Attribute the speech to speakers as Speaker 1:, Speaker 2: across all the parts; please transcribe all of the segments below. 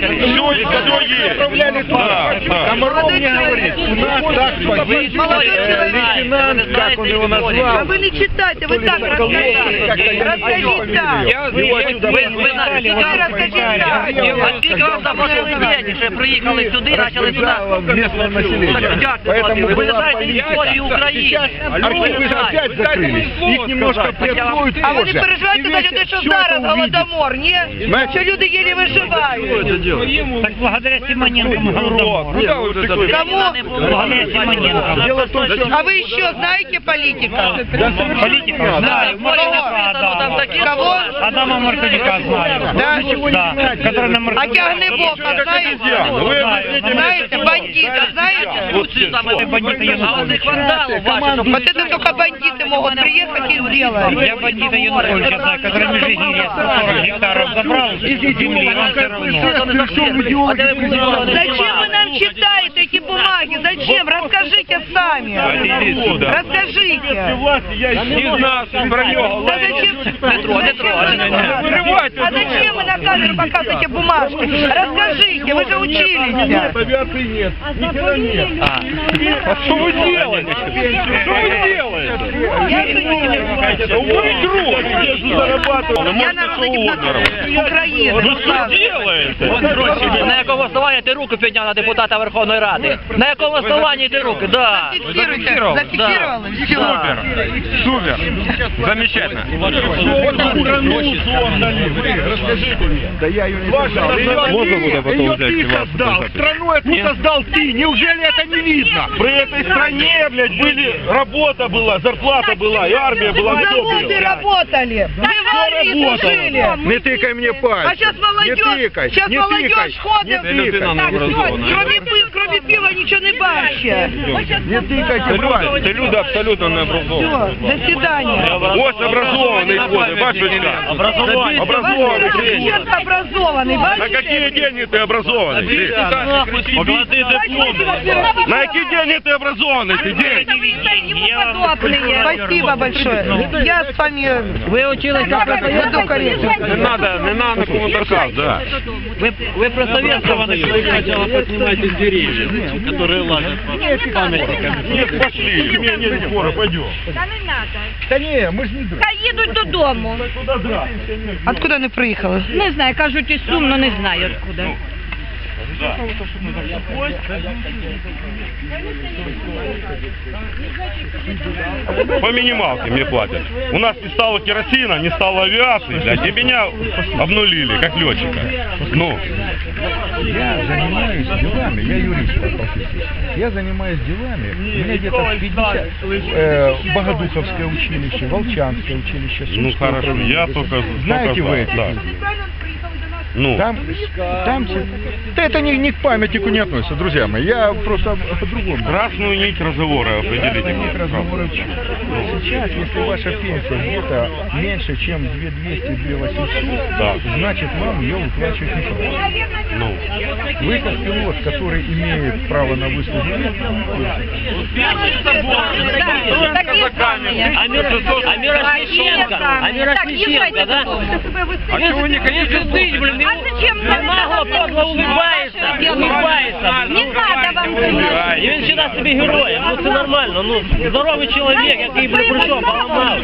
Speaker 1: Все есть.
Speaker 2: Комаров мне говорит, у нас так погиб лейтенант, как он его назвал.
Speaker 3: А вы не читайте, вы так расскажите. Расскажите так.
Speaker 4: Ви розкажіть так. А скільки вам там ваших студентів, що приїхали сюди, почали сюди?
Speaker 2: Местное население. Поэтому
Speaker 4: Ви
Speaker 2: была
Speaker 4: знаєте історію України.
Speaker 2: архивы опять закрылись. Их немножко приоткроют
Speaker 3: А ви не
Speaker 2: позже.
Speaker 3: переживайте за людей, що зараз голодомор, ні? Що люди єлі виживають.
Speaker 5: Так благодаря Симоненко мы голодомор.
Speaker 3: Кому?
Speaker 5: Благодаря Симоненко.
Speaker 2: Дело в том, что...
Speaker 3: А вы еще знаете политика?
Speaker 5: Политика знаю.
Speaker 3: Кого?
Speaker 5: Адама Маркадюка знаю.
Speaker 3: Да?
Speaker 5: Да. Который на
Speaker 3: А
Speaker 5: Маркадюка.
Speaker 3: Тягнебока знаете? Знаете, бандита знаете?
Speaker 4: А оцих вандалів ваших,
Speaker 3: Вот это только бандиты могут приехать и сделать.
Speaker 5: Я бандита Януковича знаю, который в Межигирье 40 гектаров забрал земли, и он все равно.
Speaker 3: Зачем вы нам читаете эти бумаги? Зачем? Расскажите сами. Расскажите.
Speaker 1: Из нас, про нього.
Speaker 3: Да зачем? А зачем вы на камеру показываете бумажки? Расскажите, вы же учились.
Speaker 2: Авиации нет. Нихера нет.
Speaker 1: А что вы делаете? Что вы делаете? Вы зарабатываете.
Speaker 3: Я народный депутат Украины.
Speaker 1: Ну что делаете?
Speaker 4: На якому основанні ти руку підняв на депутата Верховної Ради? На якому основанні ти руки? Да.
Speaker 3: Зафиксируйте. Зафиксировала. Все.
Speaker 1: Супер. Замечательно.
Speaker 2: Расскажите мне. Да я ее не создал. Ее ты создал. Страну эту создал ты. Неужели это не видно?
Speaker 1: При этой стране, блядь, работа была, зарплата была, и армия была.
Speaker 3: Заводы работали. Вы в армии служили.
Speaker 2: Не тыкай мне пальцем.
Speaker 3: А сейчас молодежь, сейчас молодежь ходит. Кроме пива ничего не бачить.
Speaker 2: Не тыкайте пальцем.
Speaker 1: Ты люди абсолютно не образованные.
Speaker 3: Все, до свидания.
Speaker 1: Ось образованный ходит, бачишь? Образованный.
Speaker 3: Сейчас образованный,
Speaker 1: На
Speaker 3: бачите?
Speaker 1: какие деньги ты образованный? На какие деньги ты образованный? Ты
Speaker 3: Спасибо большое. Я с вами...
Speaker 4: Ви учились на
Speaker 3: Веду корректно.
Speaker 1: Не надо на комментарках, да.
Speaker 4: Ви про Советского
Speaker 6: Сначала поднимайте деревья, которые ладят по памятникам.
Speaker 1: Нет, пошли. Не, скоро, пойдем.
Speaker 7: Та не надо.
Speaker 2: Да не, мы же не драться.
Speaker 7: Хай їдуть додому.
Speaker 3: Откуда вони приїхали?
Speaker 7: Не знаю, кажуть, із Сум, но не знаю откуда.
Speaker 1: По минималке мне платят. У нас не стало керосина, не стало авиации, блядь, и меня обнулили, как летчика. Ну.
Speaker 2: Я занимаюсь делами, я юрист по профессии. Я занимаюсь делами, у меня где-то 50 Богодуховское училище, Волчанское училище.
Speaker 1: Ну хорошо, я только...
Speaker 2: Знаете вы эти?
Speaker 1: Да. Ну.
Speaker 2: Там, да это не к памятнику не относится, друзья мои. Я просто по-другому.
Speaker 1: Красную нить разговора определите.
Speaker 2: Нить разговора. Сейчас, если ваша пенсия где-то меньше, чем 2200-2800,
Speaker 1: да,
Speaker 2: значит вам ее выплачивать не надо.
Speaker 1: Ну.
Speaker 2: Вы как пилот, который имеет право на выслугу лет,
Speaker 4: А Мирошниченко, да?
Speaker 1: А чего вы не хотите слушать?
Speaker 4: Блин,
Speaker 7: А зачем
Speaker 4: нагло, подло улыбается.
Speaker 7: Не надо вам
Speaker 4: І він вважає себе героєм, ну це нормально, ну здоровий чоловік, який прийшов, поламав.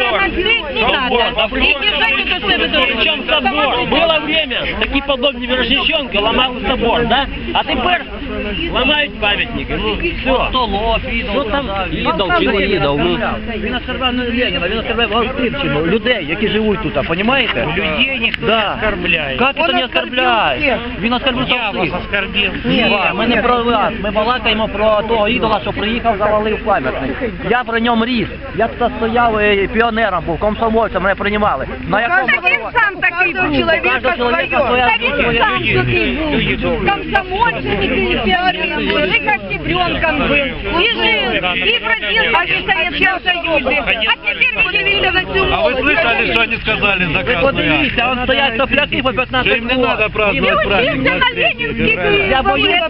Speaker 4: Причем собор. Было время, такие подобные Мирошниченко ломали собор, да? А тепер ламають пам'ятники, ну все. Що там ідол чи не ідол?
Speaker 8: Він оскорбляє не Леніна, він оскорбляє Галстипчину, людей, які живуть тут, понимаете?
Speaker 5: Людей никто не оскорбляет.
Speaker 8: Как это не оскорбляє? Він оскорбив
Speaker 5: Я вас оскорбил.
Speaker 8: Ні, ми не про вас, ми балакаємо про того ідола, що приїхав, завалив пам'ятник. Я при ньому ріс, я тут стояв піонером був, комсомольцем, мене приймали. На якому
Speaker 7: Він сам такий був.
Speaker 8: Кожного чоловіка своя
Speaker 7: Та він сам такий був. Комсомольцем і піонером був, і октябренком був. І жив, і бродил по Советскому Союзу. А теперь подивіться на цю молодь.
Speaker 6: Слышали, что они сказали за
Speaker 8: Ви
Speaker 6: Красную
Speaker 8: подивіться,
Speaker 6: Армию?
Speaker 8: он стоять сопляки по 15
Speaker 6: Что им не надо праздновать праздник.
Speaker 8: Я боюсь,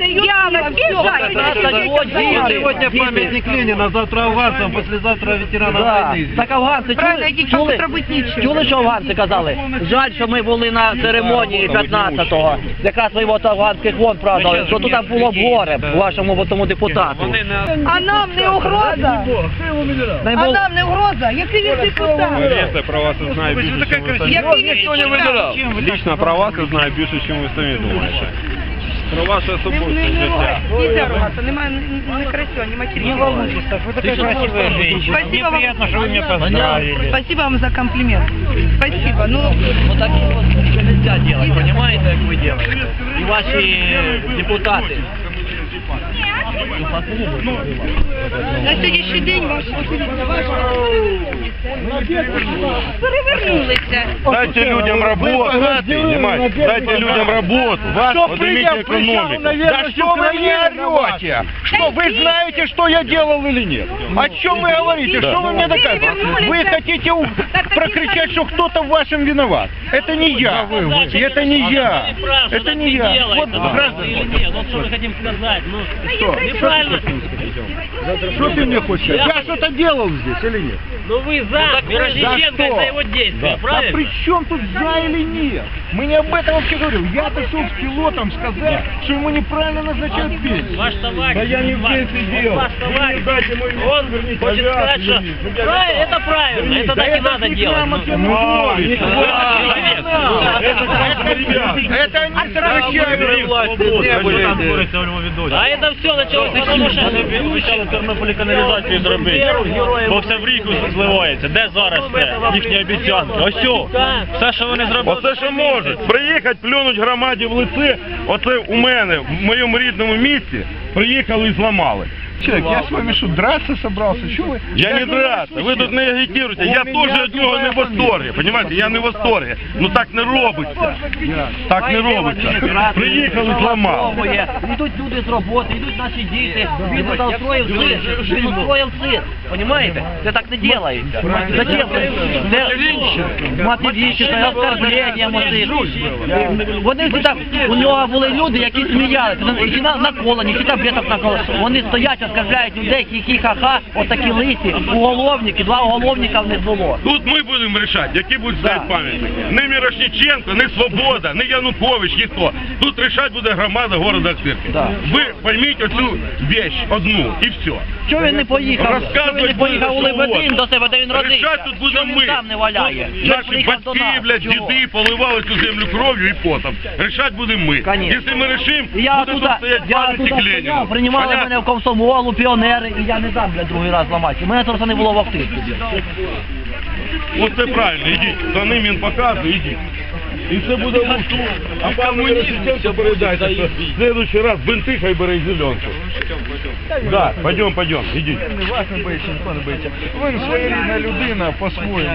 Speaker 6: Сегодня памятник Ленина, завтра афганцам, послезавтра ветеранам
Speaker 8: Да.
Speaker 6: войны.
Speaker 8: Так афганці
Speaker 3: Правильно, яких там робити нічого.
Speaker 8: чули, що афганці казали? Жаль, що ми були на церемонії 15-го. Якраз ви от афганських вон празднували, що тут там було б горе вашому тому депутату.
Speaker 3: А нам не угроза? А нам не угроза? Який він депутат?
Speaker 1: Повірте, про вас я знаю більше, ніж ви самі.
Speaker 3: Який він депутат?
Speaker 1: Лично про вас я знаю більше, ніж ви самі думаєте. Про ваше особисте життя.
Speaker 3: Нельзя ругаться, немає не красиво, не материально.
Speaker 5: Не волнуйтесь, так вы такая красивая женщина.
Speaker 3: Спасибо
Speaker 5: Мне
Speaker 3: вам.
Speaker 5: приятно, что вы меня поздравили.
Speaker 3: Спасибо вам за комплимент. Спасибо. Ну,
Speaker 8: Вот такие вот нельзя делать, понимаете, как вы делаете? И ваши депутаты.
Speaker 3: на сьогоднішній день перевернулися.
Speaker 1: Дайте людям работу, понимаете? Дайте людям работу. Поднимите экономику.
Speaker 2: Да что вы мне орете? Что, вы знаете, что я делал или нет? О чем вы говорите? Что вы мне доказываете? Вы хотите прокричать, что кто-то в вашем виноват. Это не я. Это не я. Это не я. Вот граждане.
Speaker 4: Нет, вот что мы хотим сказать. Ну,
Speaker 2: Что?
Speaker 4: неправильно.
Speaker 2: Что ты мне хочешь? Я что-то делал здесь или нет?
Speaker 4: Ну вы за Мирошниченко
Speaker 2: что?
Speaker 4: за его действия,
Speaker 2: А
Speaker 4: правильно?
Speaker 2: при чем тут за или нет? Мы не об этом вообще говорим. Я пришел с пилотом сказать, что ему неправильно назначают пенсию.
Speaker 4: Ваш товарищ,
Speaker 1: Да я не в пенсии делал.
Speaker 4: ваш товарищ,
Speaker 1: Дайте мой
Speaker 4: он хочет сказать, что правильно, это правильно, это так и надо делать.
Speaker 2: Это они сокращают.
Speaker 4: А это все началось потому, що
Speaker 5: Обіцяли Тернополі каналізацію зробити, бо все в ріку зливається. Де зараз це? Їхні обіцянки. Ось все, що вони зробили.
Speaker 1: Оце що можуть. Приїхати, плюнуть громаді в лице. Оце у мене, в моєму рідному місті, приїхали і зламали.
Speaker 2: Человек, я с вами что, драться собрался? Что вы?
Speaker 1: Я не драться, ви тут не агітуєте, я теж від нього не в восторгі, понимаете, я не в восторгі. Ну так не робиться, так не робиться. Приїхали, зламали.
Speaker 8: Йдуть люди з роботи, йдуть наші діти, він туди устроїв цирк, він устроїв цирк, понимаете? Це так не делається. Зачем це? Це материнщина, оскорблення мотив. Вони всі там, у нього були люди, які сміялися, які наколені, які таблеток наколені. Вони стоять, оскорбляють людей, хі-хі-ха-ха, отакі лисі, уголовники, 2 уголовника в них було.
Speaker 1: Тут ми будемо рішати, які будуть стоять пам'ятники. Не Мірошниченко, не Свобода, не Янукович, ніхто. Тут рішати буде громада города Охтирки.
Speaker 8: Да.
Speaker 1: Ви пойміть оцю вещь одну і все.
Speaker 8: Чого він не поїхав? Чого він не поїхав у Лебедин до себе, де він родився?
Speaker 1: Рішати тут будемо
Speaker 8: Чого
Speaker 1: ми.
Speaker 8: він там не валяє?
Speaker 1: Тут
Speaker 8: Чого
Speaker 1: наші
Speaker 8: приїхав до
Speaker 1: батьки,
Speaker 8: нас?
Speaker 1: блядь,
Speaker 8: Чого?
Speaker 1: діди поливали цю землю кров'ю і потом. Рішати будемо ми.
Speaker 8: Конечно.
Speaker 1: Якщо ми рішимо,
Speaker 8: Я
Speaker 1: буде
Speaker 8: тут
Speaker 1: тут стоять пам'ятник Леніну.
Speaker 8: приймали
Speaker 1: Понятно?
Speaker 8: мене в комсомолу, піонери, і я не дам, блядь, другий раз ламати. Мене просто не було в Охтирці.
Speaker 1: Оце правильно, ідіть. За ним він показує, ідіть. І це буде лучше. А пан Мирошниченко передайте, що в следующий раз бинти хай бере зеленку. Да, пойдем, ідіть.
Speaker 2: Вас не боїться, ніхто не боїться. Ви своєрідна людина по-своєму.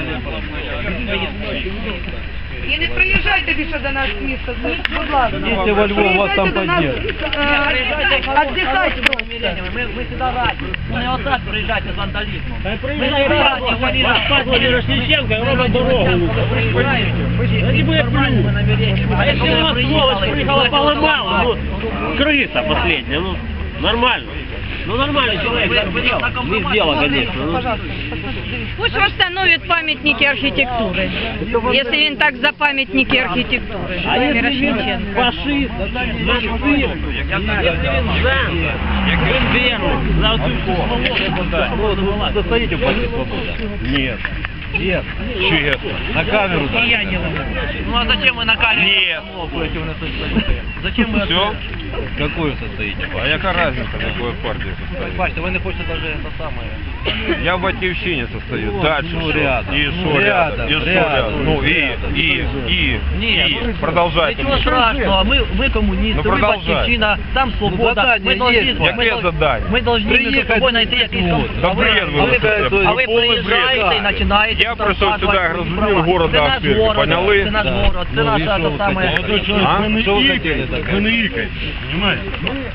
Speaker 3: І не приїжджайте більше до нас в місто, будь ласка.
Speaker 6: Їдьте во Львов, вас там
Speaker 3: Приїжджайте до нас, Отдихати просто.
Speaker 8: Ми сюди раді. Не отак приїжджайте з вандалізмом. Ми не
Speaker 4: раді,
Speaker 8: раді,
Speaker 4: розказували Мирошниченко, і робить дорогу.
Speaker 8: Тоді буде плюс.
Speaker 4: А если у вас сволочь приехала поломала, ну, крыса последняя, ну, нормально. Ну, нормальный человек, не сделал, конечно. Ну.
Speaker 7: Пусть восстановят памятники архитектуры, если он так за памятники архитектуры.
Speaker 4: А если
Speaker 7: Мирошниченко.
Speaker 4: він фашист, нацист, если він він верный, за оцю свободу,
Speaker 6: Состоите в партии «Свобода»?
Speaker 1: Нет.
Speaker 6: Нет.
Speaker 1: Честно.
Speaker 6: На камеру. Да.
Speaker 8: Ну а зачем вы на камеру?
Speaker 1: Нет.
Speaker 8: Зачем вы?
Speaker 1: Все?
Speaker 6: Какую состоите?
Speaker 1: А яка разница, в какой партии состою?
Speaker 8: Бачите, ви не хочете даже это самое.
Speaker 1: Я в Батьківщині состою. Дальше
Speaker 6: Ну,
Speaker 1: что?
Speaker 6: рядом.
Speaker 1: И что
Speaker 6: Рядом,
Speaker 1: рядом? И что
Speaker 6: рядом.
Speaker 1: рядом? Ну и.
Speaker 8: Нет,
Speaker 1: Продолжайте.
Speaker 8: ничего страшного, мы коммунисты,
Speaker 1: Ну,
Speaker 8: мы
Speaker 1: продолжай.
Speaker 8: Батьківщина, там свобода,
Speaker 6: задание
Speaker 8: мы должны,
Speaker 6: есть.
Speaker 1: Яке задання?
Speaker 8: мы должны между
Speaker 6: Приехать
Speaker 8: собой найти якийсь
Speaker 6: вот.
Speaker 8: компромисс.
Speaker 1: Да
Speaker 8: А
Speaker 1: бред вы
Speaker 8: а
Speaker 1: несете.
Speaker 8: а ви
Speaker 1: Повний
Speaker 8: приїжджаєте
Speaker 1: бред.
Speaker 8: і починаєте
Speaker 1: Я прийшов сюди,
Speaker 8: розказувати
Speaker 1: розумів
Speaker 8: права.
Speaker 1: города
Speaker 8: Це наш
Speaker 1: Охтирки,
Speaker 8: город,
Speaker 1: поняли?
Speaker 8: це наш
Speaker 6: Да.
Speaker 8: город, це
Speaker 6: Ну,
Speaker 8: наша
Speaker 6: і що
Speaker 8: та
Speaker 6: ви
Speaker 8: саме.
Speaker 6: хотіли?
Speaker 1: А?
Speaker 6: Что вы хотели так?
Speaker 1: Вы не икайте, понимаете?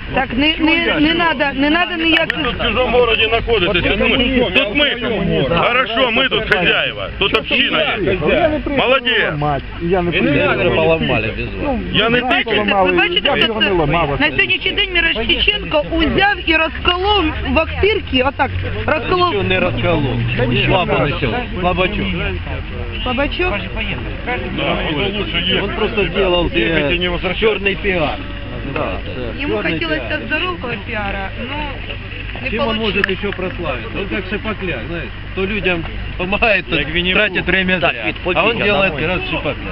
Speaker 3: Так, не надо ніяких...
Speaker 1: Тут в чужому городі знаходитесь. Тут ми. Хорошо, ми тут хазяїва. Тут община є. Молодець.
Speaker 6: Поломали без вас.
Speaker 1: Я не
Speaker 3: Бачите,
Speaker 1: тикаю.
Speaker 3: ви бачите, хто це? На сьогоднішній день Мірошниченко узяв і розколов в Ахтирці, отак, розколов...
Speaker 6: Ничего не расколол. Слабо начал. Слабачок.
Speaker 3: Слабачок?
Speaker 1: Да, лучше є.
Speaker 6: Он просто делал
Speaker 1: Ехайте, не возвращайтесь.
Speaker 6: черный пиар.
Speaker 3: Ему хотелось здорового пиара, но не
Speaker 6: Чем он может
Speaker 3: получилось.
Speaker 6: еще прославиться? Он как Шипокляк, знаешь, то людям помогает, то тратит время
Speaker 8: Так,
Speaker 6: зря.
Speaker 8: Вит,
Speaker 6: А он
Speaker 8: подвинь,
Speaker 6: делает
Speaker 8: домой.
Speaker 6: раз Шипокляк.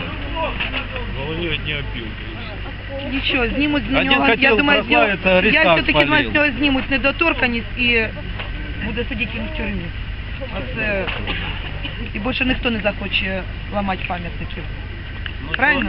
Speaker 3: Нічого, знімуть з
Speaker 6: Один
Speaker 3: нього, я
Speaker 6: хотів
Speaker 3: думаю, з нього,
Speaker 6: прославитися,
Speaker 3: я
Speaker 6: Аристарх
Speaker 3: все-таки думаю,
Speaker 6: спалив.
Speaker 3: з нього знімуть недоторканність і буде сидіти він в тюрмі. Оце, і більше ніхто не захоче ламати пам'ятників. Правильно?